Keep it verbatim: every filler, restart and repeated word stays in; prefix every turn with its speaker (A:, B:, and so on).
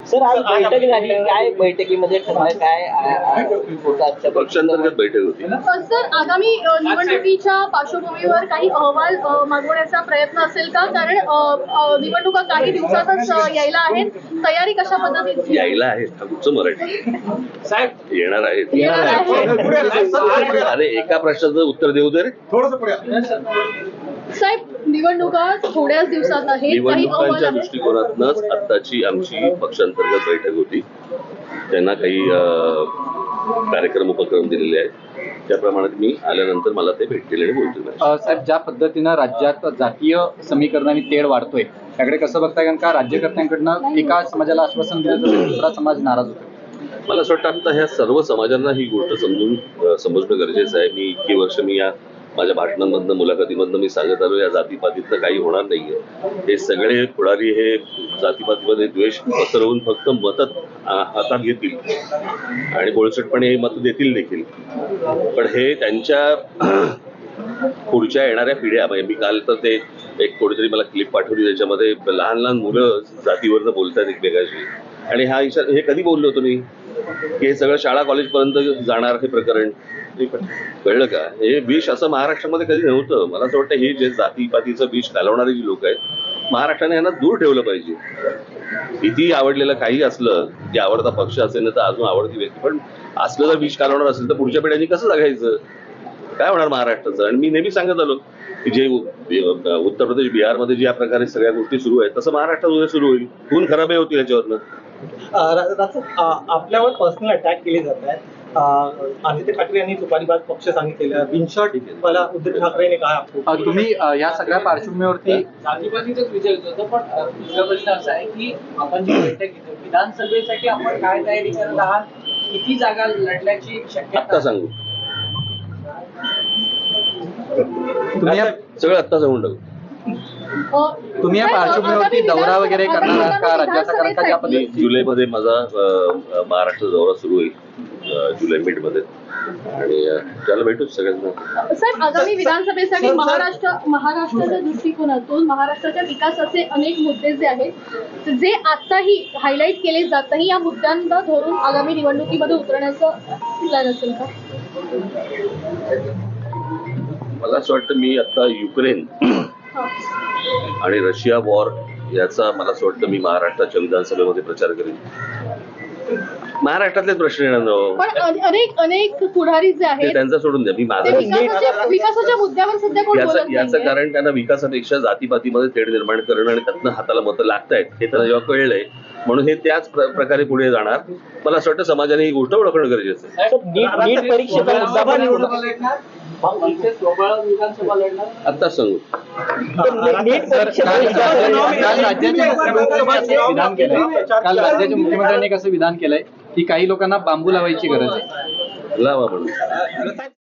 A: Sir आज बैठक झाली, काय बैठकीमध्ये ठरलं, काय
B: पक्षांतर्गत बैठक होती.
C: सर आगामी अ, निवडणुकीच्या पार्श्वभूमीवर काही अहवाल अ, मागवण्याचा प्रयत्न असेल का? कारण अ, अ, निवडणुका काही दिवसातच अ, यायला आहेत. तयारी कशा पद्धतीची
B: यायला आहेत तुमचं मराठी
D: साहेब
B: येणार आहेत
C: येणार आहे.
B: अरे एका प्रश्नाचं उत्तर देऊ दे रे.
C: साहेब निवडणुका थोड्याच दिवसात आहेत, काही अहवाल
B: निवडणुकांच्या
C: आहेत.
B: दृष्टिकोनातूनच आत्ताची आमची पक्षांतर्गत बैठक होती. त्यांना काही अं, कार्यक्रम उपक्रम दिलेले आहेत, त्याप्रमाणे मी आल्यानंतर मला ते भेटतील आणि बोलतील.
E: अ, साहेब ज्या पद्धतीनं राज्यात जातीय समीकरणाने तेढ वाढतोय त्याकडे कसं बघताय? कारण का राज्यकर्त्यांकडनं एका समाजाला आश्वासन दिलं तर दुसरा समाज नाराज होतो.
B: मला असं वाटतं आता ह्या सर्व समाजांना ही गोष्ट समजून अं, समजणं गरजेचं आहे. मी इतकी वर्ष मी या माझ्या भाषणांमधनं मुलाखतीमधनं मी सांगत आलो, या जातीपातीतनं काही होणार नाहीये. हे सगळे पुढारी हे जातीपातीमध्ये द्वेष पसरवून फक्त मतं हातात घेतील आणि बोळसटपणे हे मतं देतील देखील. पण हे त्यांच्या पुढच्या येणाऱ्या पिढ्या, म्हणजे मी काल तर ते एक कोणीतरी मला क्लिप पाठवली, त्याच्यामध्ये लहान लहान मुलं जातीवरनं बोलतात एकमेकाशी. आणि हा इशारा हे कधी बोललो होतो मी की हे सगळं शाळा कॉलेजपर्यंत जाणार हे प्रकरण, कळलं का? हे विष असं महाराष्ट्रामध्ये कधी नव्हतं. मला असं वाटतं हे जे जातीपातीचं विष घालवणारी जी लोक आहेत, महाराष्ट्राने यांना दूर ठेवलं पाहिजे. किती आवडलेलं काही असलं, जे आवडता पक्ष असेल ना तर अजून आवडती व्यक्ती, पण असलं जर विष घालवणार असेल तर पुढच्या पिढ्यांनी कसं जगायचं, काय होणार महाराष्ट्राचं? आणि मी नेहमी सांगत आलो की जे उत्तर प्रदेश बिहारमध्ये ज्या प्रकारे सगळ्या गोष्टी सुरू आहेत तसं महाराष्ट्रात उद्या सुरू होईल. खून खराब होतील याच्यावरनं.
A: आपल्यावर पर्सनल अटॅक केले जात आहेत. आदित्य ठाकरे यांनी तुपारीबाद पक्ष सांगितलेलं, बिनशॉट मला उद्धव ठाकरेने कहा.
E: अ, तुम्ही अ, या सगळ्या पार्श्वभूमीवरती
D: जातीपातीचंच विचारत होतं, पण दुसरा प्रश्न असा आहे की आपण जी बैठक घेतो विधानसभेसाठी आपण काय तयारी करत आहात, किती जागा लढण्याची शक्यता?
B: आत्ता सांगू,
E: तुम्ही या-
B: सगळं आत्ता सांगून टाकू.
C: अ,
E: तुम्ही या
C: साहेब,
E: पार्श्वभूमीवरती
C: आगामी
E: दौरा
C: विधान-
E: वगैरे करणार
C: आगामी
E: आहात का राज्याचा? कारण का ज्या
C: विधानसभेसाठी-
B: मी
E: पद्धतीने
B: जुलैमध्ये माझा अ, महाराष्ट्र दौरा सुरू होईल, अ, जुलै मिड मध्ये, आणि अ, त्याला भेटूच सगळ्यांना.
C: साहेब आगामी विधानसभेसाठी महाराष्ट्र महाराष्ट्राच्या दृष्टिकोनातून महाराष्ट्राच्या विकासाचे अनेक मुद्दे जे आहेत, जे आताही हायलाईट केले जात नाही, या मुद्द्यांना धरून आगामी निवडणुकीमध्ये उतरण्याचं प्लॅन असेल का?
B: मला असं वाटतं मी आता युक्रेन आणि रशिया वॉर याचा मला असं वाटतं मी महाराष्ट्राच्या विधानसभेमध्ये प्रचार करेन. महाराष्ट्रातलेच प्रश्न येणार ना हो.
C: पण अ- अनेक अनेक पुढारी जे
B: ते
C: आहेत
B: त्यांचा सोडून द्या. मी
C: ते
B: माझं
C: विकासाच्या विकासाच्या मुद्द्यावर सध्या कोण
B: याचं
C: बोलत
B: याचं
C: नाहीये.
B: कारण त्यांना विकासापेक्षा जातीपातीमध्ये तेढ निर्माण करणं आणि त्यातनं हाताला मतं लागतायत हे त्यांना जेव्हा कळलंय, म्हणून हे त्याच प्र- प्रकारे पुढे जाणार. मला असं वाटतं समाजाने ही गोष्ट ओळखणं गरजेचं आहे.
A: नीट नीट परीक्षेचा मुद्दा पण
D: निवडणुका लढणार, इथे सोबळा विधानसभा लढणार.
B: आत्ताच सांगू.
A: नीट
E: काल
A: परीक्षेचा
E: काल
A: मुद्दा
E: काल राज्याचे मुख्यमंत्र्यांनी असं विधान केलंय काल राज्याच्या मुख्यमंत्र्यांनी कसं विधान केलंय की काही लोकांना बांबू लावायची गरज आहे.
B: लावा म्हणून.